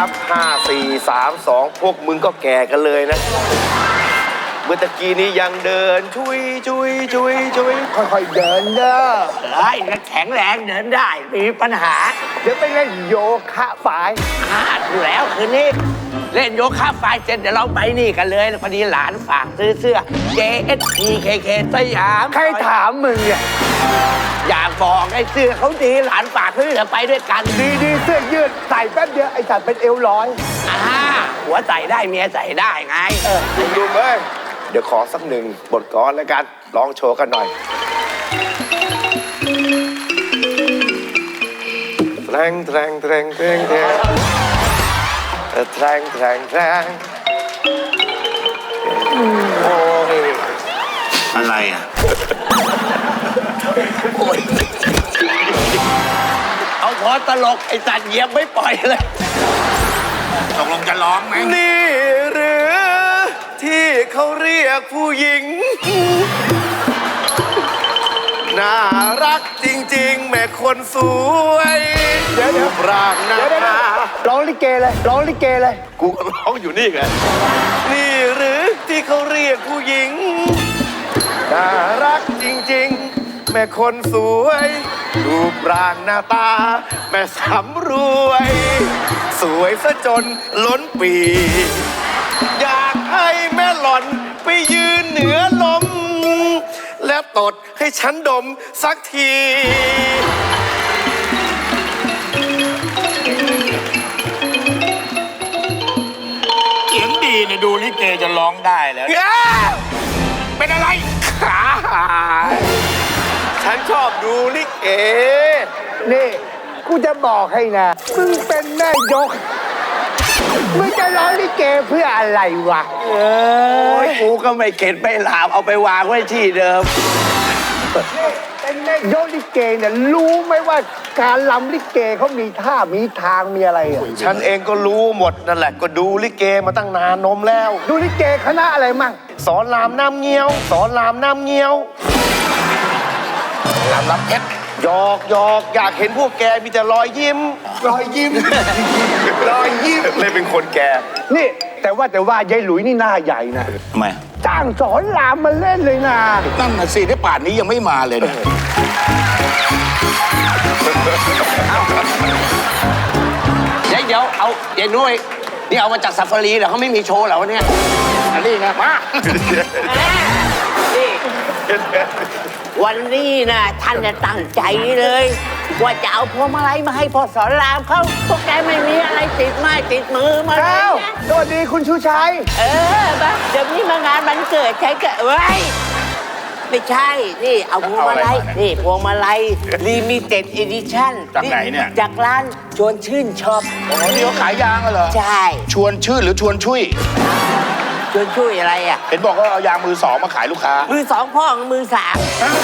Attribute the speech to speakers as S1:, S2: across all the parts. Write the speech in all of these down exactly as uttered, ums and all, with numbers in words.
S1: บห้าสี่สามสองพวกมึงก็แก่กันเลยนะเมื่อตะกี้นี้ยังเดินชุยชุยชุยชุยค่อยๆเดินเด้อ
S2: เฮ้ยแข็งแรงเดินได้ไม่มีปัญหา
S1: เดี๋ยวไปเล่นโยคะฝ่าย
S2: ขาดอยู่แล้วคืนนี้เล่นโยคะฝ่ายเสร็จเดี๋ยวเราไปนี่กันเลยพอดีหลานฝากซื้อเสื้อ เจ เอส พี เค เค สยาม
S1: ใครถามมึงเนี่ย
S2: อยากบอกไอ้เสื้อเขาดีหลานฝากซื้อเดี๋ยวไปด้วยกัน
S1: ดีดีเสื้อยืดใส่แป๊บเดียวไอ้สัตว์เป็นเอวร้อย
S2: อ่าหัวใส่ได้เมียใส่ได้ไงเออ
S1: ดูเว้ยเดี๋ยวขอสักหนึ่งบทกลอนแล้วกันลองโชว์กันหน่อยแทงแทงแทงแทงแทงแทงแทงแทงโอ้ย
S3: อะไรอ่ะ
S2: เอาพอตลกไอ้สัตว์เหยียบไม่ปล่อยเลย
S3: ตกลงจะร้องไหม
S1: นี่หรือที่เขาเรียกผู้หญิงน่ารักจริงๆแม่คนสวยเดี๋ยวเดี๋ยวร่างหน้าร้องลิเกเลยร้องลิเกเลยกูก็ร้องอยู่นี่ไงนี่หรือที่เขาเรียกผู้หญิงน่ารักจริงๆแม่คนสวยรูปร่างหน้าตาแม่สำรวยสวยซะจนล้นปีอยากให้แม่หล่อนไปยืนเหนือลมและตดให้ฉันดมสักที
S3: เสียงดีเนี่ยดูลิเกจะร้องได้แล้วเป็นอะไร
S1: ขาฉันชอบดูลิเกนี่กูจะบอกให้นะมึงเป็นแม่ยกมึงจะร้องลิเกเพื่ออะไรวะ
S2: เอ้ยกูก็ไม่เข็ดไม่หลาบเอาไปวางไว้ที่เดิม
S1: เป็นแม่ยกลิเกเนี่ยรู้ไหมว่าการรำลิเกเขามีท่ามีทางมีอะไรอ่ะฉันเองก็รู้หมดนั่นแหละก็ดูลิเกมาตั้งนานนมแล้วดูลิเกคณะอะไรมั่งสอนรามน้ำเงี้ยวสอนรามน้ำเงี้ยว
S3: รามรับเพชร
S1: หยอกหยอกอยากเห็นพวกแกมีแต่รอยยิ้มรอยยิ้มรอยยิ้มเลยเป็นคนแกนี่แต่ว่าแต่ว่ายายหลุยนี่หน้าใหญ่นะ
S3: ทำไม
S1: จ้างสอนรามมาเล่นเลยนะ
S3: นั่นน่ะสิที่ป่านนี้ยังไม่มาเลยนะ
S2: เดี๋ยวเดี๋ยวเอาเดี๋ยวนุ้ยนี่เอามาจากซาฟารีเหรอเขาไม่มีโชว์เหรอเนี่ย
S3: อันนี้ไงมา
S2: วันนี้นะท่านจะตั้งใจเลยว่าจะเอาพวงมาลัยมาให้พ่อสอนรามเขาพวกแกไม่มีอะไรติดไม้ติดมือมา
S1: แล้วสวัสดีคุณชูชัย
S2: เออบ้าเดี๋ยวนี้มางานวันเกิดใช่เกิดไว้ไม่ใช่นี่เอาพวงมาลัยนี่พวงมาลัยลิมิเต็ดเอดิชั่น
S3: จากไหนเนี่ย
S2: จากร้านชวนชื่นช็อป
S3: อ๋อนี่เขาขายยางเหรอ
S2: ใช่
S3: ชวนชื่นหรือชวนชุย
S2: ชวนช่วยอะไรอ่ะ
S3: เห็นบอกว่าเอายางมือสองมาขายลูกค้า
S2: มือสองพ่อมือสาม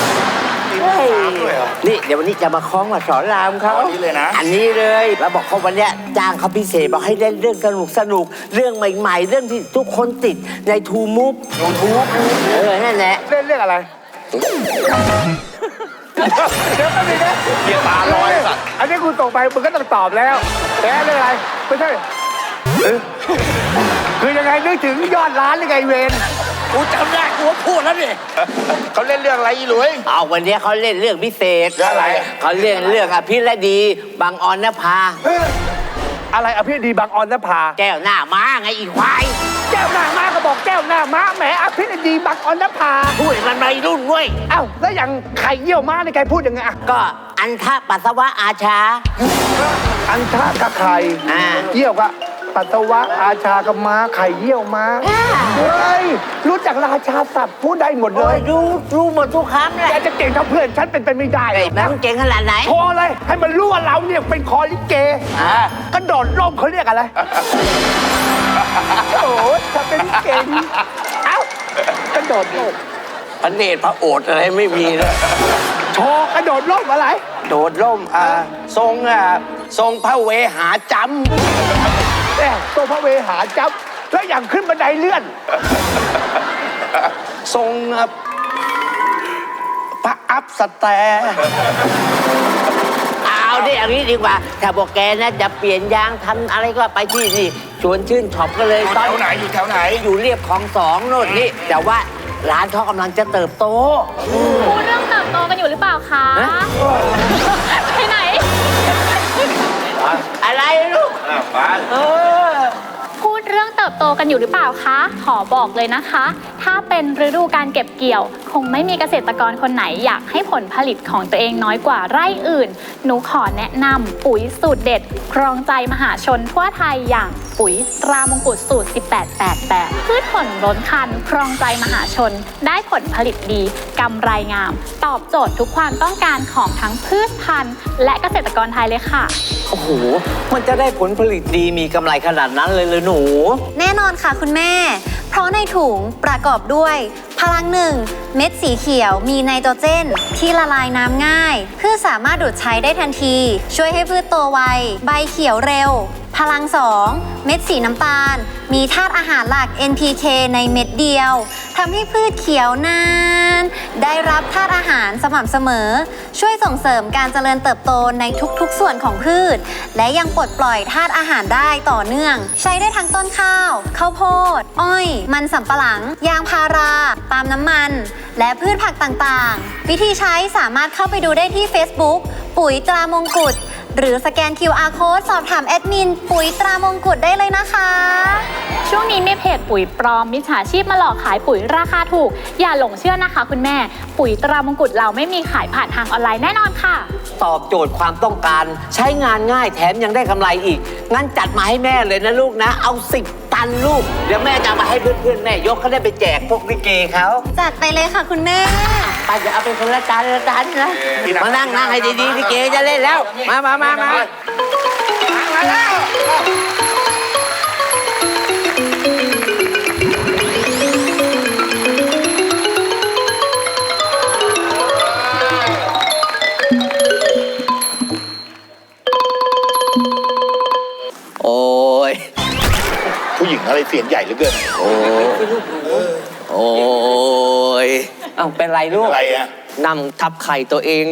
S2: นี่เดี๋ยววันนี้จะมาคล้องมาสอนรามเขา
S3: อันนี้เลยนะ
S2: อันนี้เลยแล้วบอกเขาวันนี้จ้างเขาพิเศษบอกให้เล่นเรื่องสนุกสนุกเรื่องใหม่ๆเรื่องที่ทุกคนติดในทูมูฟ
S3: ทูมูฟ
S2: เออนั่นแหละ
S1: เล่นเรื่องอะไรเดี๋ยวก็มีนะ
S3: เกียร์ตาลอยสัตว์
S1: อันนี้คุณตกไปมึงก็ต้องตอบแล้วแต่เรื่องอะไรไม่ใช่คือยังไงนึกถึงยอดร้านหรือไงเวน
S2: กูจำได้กูพูดแล้วนี่
S3: เขาเล่นเรื่องอะไรอีหลุย
S2: เอาวันนี้เขาเล่นเรื่องพิเศษ
S3: เรื่องอะไร
S2: เขาเล่นเรื่องอภิรดีบางออนนภา
S1: อะไรอภิรดีบางออนนภา
S2: แก้วหน้าม้าไงอีควาย
S1: แก้วหน้าม้าก็บอกแก้วหน้าม้าแหมอภิรดีบางออนนภา
S2: พูดมันไม่รุ่นเว้ย
S1: เอ้าแล้วอย่างไข่เยี่ยวม้าในใครพูดยังไงอ่ะ
S2: ก็อันทะปัสสาวะอาชา
S1: อันทะกับไข่เยี่ยวกะปัสสาวะอาชากับม้าไข่เยี่ยวม้าเฮ้ยรู้จักราชาศัพท์พูดได้หมดเลย
S2: รู้รู้หมดทุกคำเลย
S1: แกจะเก่งเท่าเพื่อนฉันเป็นไปไม่ได้
S2: นะเก่งขนาดไหน
S1: โชว์เลยให้มันรู้ว่าเราเนี่ยเป็นคอลิเกกระโดดร่มเขาเรียกอะไรโอ้โหจะเป็นเก่งเอ้ากระโดดร่ม
S2: พระเนตรพระโอษฐ์อะไรไม่มีเลย
S1: โชว์กระโดดร่มอะไร
S2: โดดร่มอ่าทรงอ่าทรงพระเวหาจำ
S1: แม่ทรงพระเวหาจำแล้วอย่างขึ้นบันไดเลื่อน
S2: ทรงพระอัพสแตเอาดิเอางี้ดีกว่าถ้าบอกแกนะจะเปลี่ยนยางทำอะไรก็ไปที่นี่ชวนชื่นช็อปก็เลย
S3: อยู่แถวไหนอยู่แถวไหน
S2: อยู่เรียบคลองสองโน่นนี่แต่ว่าร้านเขากำลังจะเติบโต
S4: พูดเรื่องเติบโตกันอยู่หรือเปล่าคะ
S2: ฮะ
S4: ไปไหน
S2: อะไรลูกเออ
S4: พูดเรื่องเติบโตกันอยู่หรือเปล่าคะ ขอบอกเลยนะคะ ถ้าเป็นฤดูการเก็บเกี่ยว คงไม่มีเกษตรกรคนไหนอยากให้ผลผลิตของตัวเองน้อยกว่าไร่อื่น หนูขอแนะนำปุ๋ยสูตรเด็ด ครองใจมหาชนทั่วไทยอย่างปุ๋ยตรามงกุฎสูตร สิบแปด แปด แปด พืชผลล้นคัน ครองใจมหาชน ได้ผลผลิตดีกำไรงาม ตอบโจทย์ทุกความต้องการของทั้งพืชพันธุ์ และเกษตรกรไทยเลยค่ะ
S2: โอ้โหมันจะได้ผลผลิตดีมีกำไรขนาดนั้นเลยเลยหนู
S5: แน่นอนค่ะคุณแม่ เพราะในถุงประกอบด้วย พลังหนึ่งเม็ดสีเขียวมีไนโตรเจน ที่ละลายน้ำง่ายพืชสามารถดูดใช้ได้ทันที ช่วยให้พืชโตไวใบเขียวเร็ว พลังสองเม็ดสีน้ำตาล มีธาตุอาหารหลัก เอ็น พี เค ในเม็ดเดียวทำให้พืชเขียวนาน ได้รับธาตุอาหารสม่ำเสมอ ช่วยส่งเสริมการเจริญเติบโตในทุกๆส่วนของพืช และยังปลดปล่อยธาตุอาหารได้ต่อเนื่อง ใช้ได้ทั้งต้นข้าว ข้าวโพด อ้อย มันสำปะหลัง ยางพาราปาล์มน้ำมัน และพืชผักต่างๆ วิธีใช้สามารถเข้าไปดูได้ที่ Facebook ปุ๋ยตรามงกุฎหรือสแกน คิว อาร์ Code สอบถามแอดมินปุ๋ยตรามงกุฎได้เลยนะคะ
S4: ช่วงนี้มีเพจปุ๋ยปลอมมิจฉาชีพมาหลอกขายปุ๋ยราคาถูก อย่าหลงเชื่อนะคะคุณแม่ ปุ๋ยตรามงกุฎเราไม่มีขายผ่านทางออนไลน์แน่นอนค่ะ
S2: ตอบโจทย์ความต้องการใช้งานง่ายแถมยังได้กำไรอีก งั้นจัดมาให้แม่เลยนะลูกนะ เอาสิบตันลูก เดี๋ยวแม่จะเอามาให้เพื่อนๆแม่ยกเขาได้ไปแจกพวกลิเกเขา
S5: จัดไปเลยค่ะคุณแม่
S2: ไปเดี๋ยวเอาเป็นคนละจานละจานนะ มานั่งนั่งให้ดีๆลิเกจะเล่นแล้ว มามามามามาแล้ว โอ้ย
S3: ผู้หญิงอะไรเสียงใหญ่เหลือเกิน
S2: โอ้ยโอ้ยเอ้าเป็นไรลูก
S3: อะไรอะ
S2: นำทับไข่ตัวเอง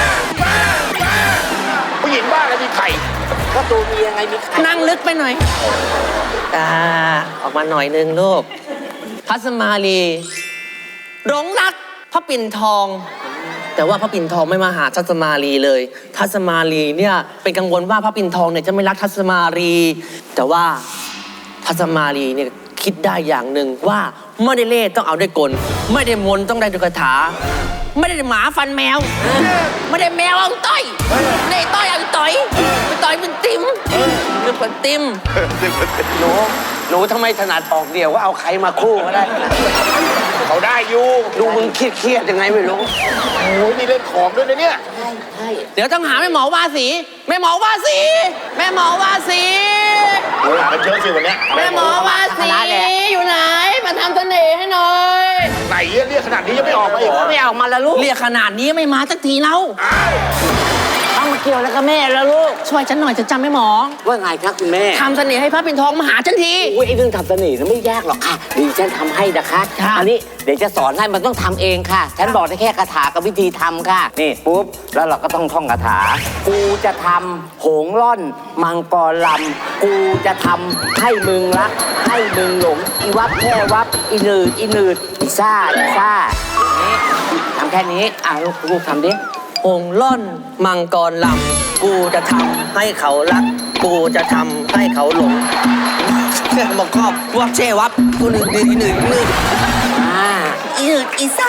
S3: ผู้หญิงบ้าอะไรมีไข่
S2: ก็ตัวเมียไงมีไข่นั่งลึกไปหน่อยอ่าออกมาหน่อยนึงลูก พัสมาลีหลงรักพระปิ่นทอง แต่ว่าพระปิ่นทองไม่มาหาทัศมาลีเลย ทัศมาลีเนี่ยเป็นกังวลว่าพระปิ่นทองเนี่ยจะไม่รักทัศมาลี แต่ว่าทัศมาลีเนี่ยคิดได้อย่างหนึ่งว่าไม่ได้เล่ต้องเอาด้วยกล ไม่ได้มนต์ต้องได้ด้วยคาถา ไม่ได้หมาฟันแมว ไม่ได้แมวเอาต้อยไม่ได้ต้อยเอาต่อยไปต่อยเป็นติมเป็นคนติมหนูหนูทำไมถนัดออกเดี่ยวว่าเอาใครมาคู่ก็ได้
S3: เขาได้อยู่
S2: ดูมึงเครียดๆยังไงไม่รู้
S3: โอ้ยนี่เล่นของด้วยนะเนี่ย
S2: เดี๋ยวต้องหาแม่หมอวาสีแม่หมอวาสีแม่หมอวาสี
S3: โอ้ยหากันเยอะสิวันเนี้ย
S2: แม่หมอวาสีอยู่ไหนมาทำเสน่ห์ให้หน่อย
S3: ไหนเรียกขนาดนี้ยังไม่ออกมาอีก
S2: ไม่ออกมาแล้วลูกเรียกขนาดนี้ไม่มาสักทีแล้วเอามาเกี่ยวแล้วกับแม่แล้วลูกช่วยฉันหน่อยจะจำไม่หมอว่าไงครับคุณแม่ทำเสน่ห์ให้พระปิ่นทองมาหาฉันทีอุ้ยไอ้เรื่องทำเสน่ห์นั้นไม่ยากหรอกค่ะดีฉันทำให้นะคะอันนี้เดี๋ยวจะสอนให้มันต้องทำเองค่ะ ฉันบอกได้แค่คาถากับวิธีทำค่ะนี่ปุ๊บแล้วเราก็ต้องท่องคาถากูจะทำโหงล่อน มังกรลำกูจะทำให้มึงรัก ให้มึงหลงอีวับแค่วับอีหนืดอีหนืดอีซ่าอีซ่านี่ทำแค่นี้อ่ะลูกลูกทำดิโหงล่อน มังกรลำกูจะทำให้เขารัก กูจะทำให้เขาหลงบอกครอบวับเชวับกูหนึ่งหนึ่งหนึ่งหนึ่งอ่าอีหนืดอีซ่า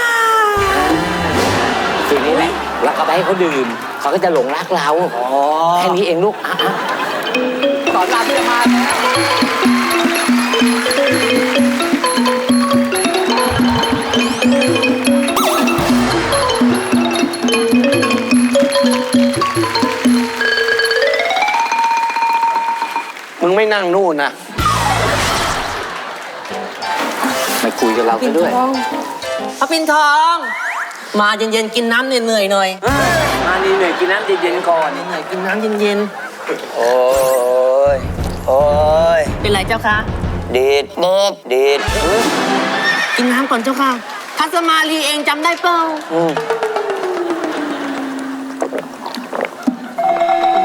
S2: ทีนี้แหละเราก็ไปให้เขาดื่มเขาก็จะหลงรักเราแค่นี้เองลูกอ่ะสอนรามเพื่อมามึงไม่นั่งนู่นนะไม่คุยกับเราไปด้วยพระปิ่นทอง มาเย็นๆกินน้ำเหนื่อยๆหน่อยมาเหนื่อยๆกินน้ำเย็นๆก่อนเหนื่อยๆกินน้ำเย็นๆโอ้ยโอ้ยเป็นไรเจ้าคะเด็ดเด็ดเด็ดกินน้ำก่อนเจ้าค่ะทัศมาลีเองจำได้เปล่า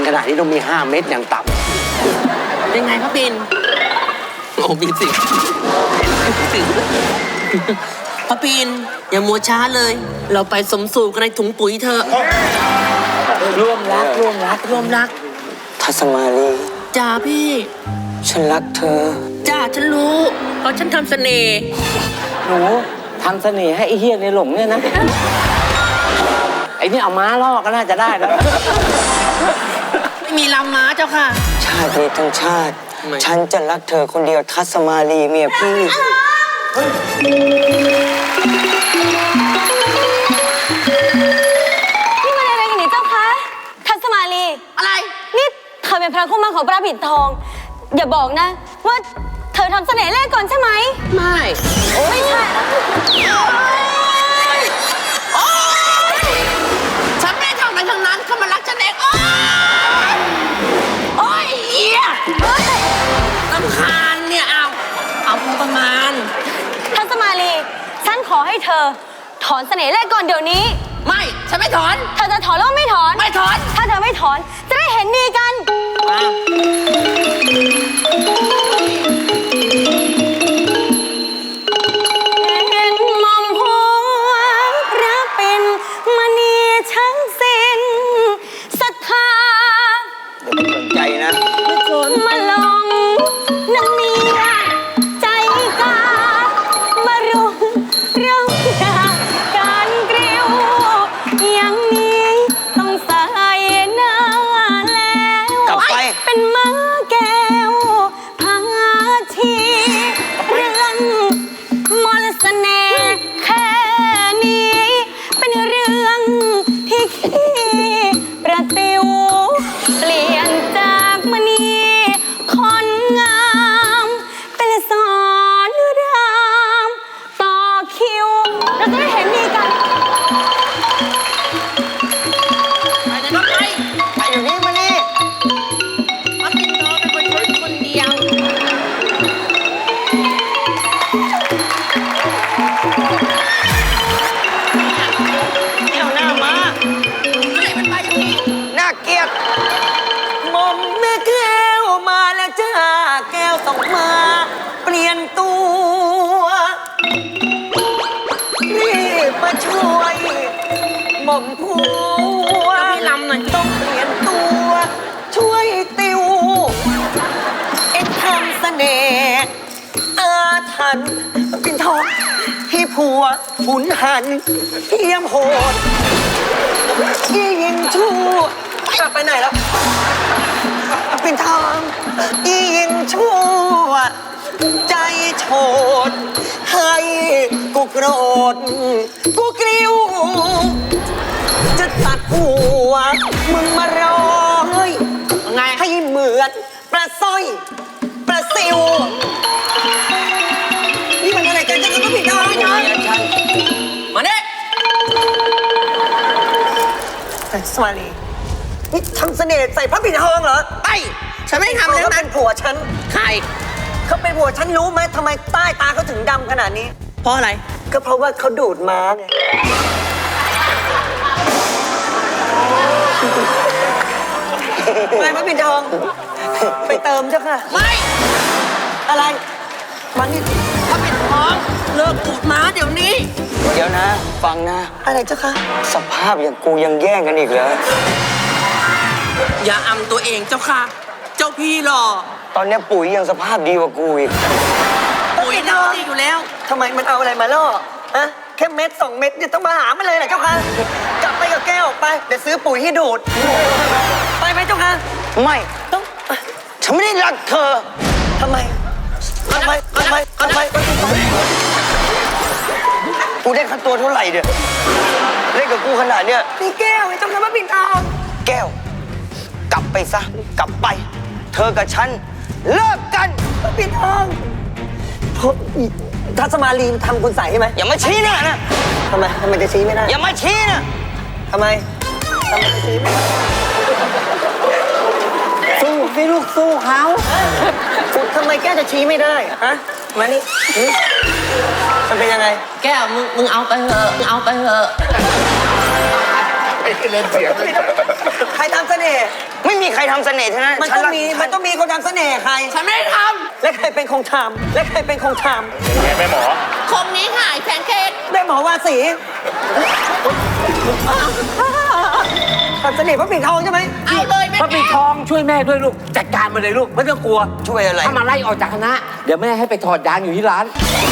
S2: ขนาดนี้ต้องมีห้าเม็ดอย่างต่ำเป็นไงพระปินโอ้มีสิสิพระปินอย่ามัวช้าเลย เราไปสมสู่กันในถุงปุ๋ยเถอะร่วมรักร่วมรักร่วมรัก
S6: ทัศมาลี
S2: จ้าพี่
S6: ฉันรักเธอ
S2: จ้าฉันรู้เพราะฉันทำเสน่ห์
S6: หนูทำเสน่ห์ให้ไอ้เฮียในหลงเนี่ยนะ ไอ้นี่เอาม้าล่อก็น่าจะได้แล้ว
S2: ไม่มีลำม้าเจ้าค่ะ
S6: ชาตินี้ทั้งชาติ
S2: ไม่
S6: ฉันจะรักเธอคนเดียวทัศมาลีเมียพี่
S7: นี่มันอะไรกันนี่เจ้าคะทัศมาลี
S2: อะไร
S7: นี่เธอเป็นพระคู่มั่นของพระปิ่นทอง อย่าบอกนะ ว่าเธอทำเสน่ห์แรกก่อนใช่ไหม
S2: ไม่
S7: ไม่ใช่
S2: ฉันไม่ได้ทำอะไรทั้งนั้นเขามารักฉันเองโอ๊ยโอ๊ยเหี้ยรำคาญเนี่ยเอาเอาพอประมาณ
S7: ทัศมาลี ฉันขอให้เธอ ถอนเสน่ห์แรกก่อนเดี๋ยวนี้
S2: ไม่ ฉันไม่ถอน
S7: เธอจะถอนหรือว่าไม่ถอน
S2: ไม่ถอน
S7: ถ้าเธอไม่ถอน จะได้เห็นดีกัน เห็นมอมหัวพระเป็นมณีช่างสิ้นศรัทธา
S6: เดี๋ยวไม่สนใจนะ
S7: มาลองนางเมียใจกามารุมเราดาการเกลียวอย่างนี้ต้องใส่หน้าแล้ว
S6: กลับไป
S7: เป็นม้าแก้วพาชีเรื่องมนต์เสน่ห์แค่นี้ เป็นเรื่องที่ขี้ประติว เปลี่ยนจากมณีคนงาม เป็นสอนรามต่อคิว เราจะได้เห็นดีกัน
S2: ไปเลยครับไป
S6: ไปเดี๋ยวนี้มานี่
S2: มาปิดทองเป็นคนช่วยคนเดียว
S6: เดี๋ยวหน้ามา
S2: อะไรมันไปอย่างนี้
S6: น่าเกลียดหม่อมแม่แก้วมาแล้วจ้าแก้วต้องมา เปลี่ยนตัวรีบมาช่วยหม่อมผัว
S2: พี่ลำหน่อย
S6: ต้องเปลี่ยนตัว ช่วยติว เอ็งทำเสน่ห์อาถรรพ์เป็นทองที่ผัวหุนหันเทียมโหดที่ยิงชั่วกลับไปไหนแล้ว เป็นทองอียิงชั่ว ใจโฉดให้กูโกรธกูกริ้ว จะตัดหัวมึงมาร้อย
S2: ไง
S6: ให้เหมือนปลาสร้อยปลาซิว นี่มันอะไรกันจะก็ผิดทางนะ
S2: มาเนี่ย
S6: สวัสดีนี่ทำเสน่ห์ใส่พระปิ่นทองเหรอ
S2: ไป ฉันไม่ได้ทำเลย
S6: เขา
S2: นะ
S6: เป็นผัวฉัน
S2: ใคร
S6: เขาเป็นผัวฉันรู้ไหมทำไมใต้ตาเขาถึงดำขนาดนี้
S2: เพราะอะไร
S6: ก็เพราะว่าเขาดูดม้าไงไปพระปิ่นทอง ไปเติมเจ้าค่ะ
S2: ไม่
S6: อะไรมันนี่
S2: ถ้าเป็นท้องเลิกปูดม้าเดี๋ยวนี้
S6: เดี๋ยวนะ ฟังนะ อะไรเจ้าค่ะ สภาพอย่างกูยังแย่งกันอีกเหรอ
S2: อย่าอำตัวเองเจ้าค่ะ เจ้าพี่หล่อ
S6: ตอนเนี้ยปุ๋ยยังสภาพดีกว่ากูอีก
S2: ปุ๋ยน่าดีอยู่แล้ว
S6: ทำไมมันเอาอะไรมาล่อฮะแค่เม็ดสองเม็ดเนี่ยต้องมาหามันเลยเหรอเจ้าค่ะ กลับไปกับแก้วไป เดี๋ยวซื้อปุ๋ยให้ดูด ไปไหมเจ้าค่ะ ไม่ต้องฉันไม่ได้รักเธอทำไมทำไมทำไมทำไมกูได้ค่าตัวเท่าไหร่เนี่ยเล่นกับกูขนาดเนี้ยนี่แก้วไอ้เจ้าค่ะมาปิ่นทองแก้ว กลับไปซะ กลับไป เธอกับฉันเลิกกันมาปิ่นทองเพราะอีทัศมาลีนทำคุณใส่ใช่ไหมอย่ามาชี้หน้านะทำไมทำไมจะชี้ไม่ได้อย่ามาชี้นะทำไมทำไมจะชี้ไม่ได้
S2: สู้สิลูกสู้เขา
S6: คุณทำไมแก้วจะชี้ไม่ได้อะฮะมานี่หึมันเป็นยังไง
S2: แก้วมึงมึงเอาไปเถอะมึงเอาไปเถอะ
S1: ไอ้
S3: เล่นเสียงเลย
S6: ใครทำเสน่ห์
S2: ไม่มีใครทำเสน่ห์ทั้งนั้น
S6: มันต้องมีมันต้องมีคนทำเสน่ห์ใคร
S2: ฉันไม่ได้ท
S6: และใครเป็นคงทำและใครเป็นคงท
S3: ไงแม่หมอ
S2: ำคมนี้หายแพนเค้ก
S6: ำได้หมอวาสีทำเสน่ห์พระปิ่นทองใช่ไหม
S2: เอาเลยแม่
S8: พระปิดทองช่วยแม่ด้วยลูก จัดการมาเลยลูกไม่ต้องกลัว
S6: ช่วยอะไร
S8: ถ้ามาไล่ออกจากคณะ เดี๋ยวแม่ให้ไปถอดยางอยู่ที่ร้าน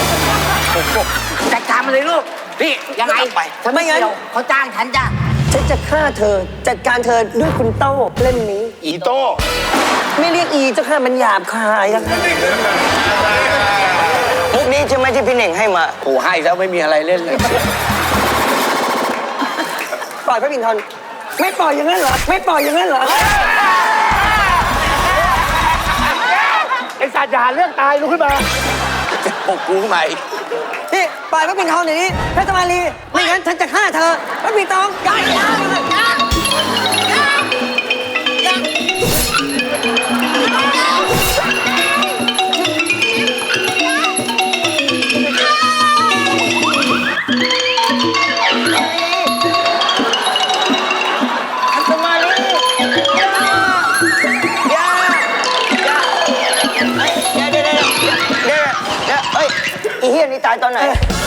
S8: จัดการมาเลยลูกนี่ยังไงไปฉันไม่เกี่ยวเขาจ้างฉันจ้ะ
S6: ฉันจะฆ่าเธอจัดการเธอด้วยคุณโต้เล่มนี้
S3: อีโต้
S6: ไม่เรียกอีเจ้าค่ะมันหยาบคายอะ
S2: มุกนี้ใช่ไหมที่พี่เน่งให้มาโอ้ให้แล้วไม่มีอะไรเล่นเลย
S6: ปล่อยพระปิ่นทองไม่ปล่อยอย่างนั้นเหรอไม่ปล่อยอย่างนั้นเหรอ
S8: ไอ้สัตว์อย่าหาเรื่องตายลุกขึ้นมา
S2: ปกกูใหม่
S6: นี่ปล่อยพระปิ่นทองเดี๋ยวนี้เพชรมาลีไม่งั้นฉันจะฆ่าเธอพระปิ่นทองอย่าอย่าอย่า
S2: สมาลียายายาเดี๋ยวเดี๋ยวเดี๋ยวเดี๋ยวเดี๋ยวเอ้ยอีเฮียนี่ตายตอนไหน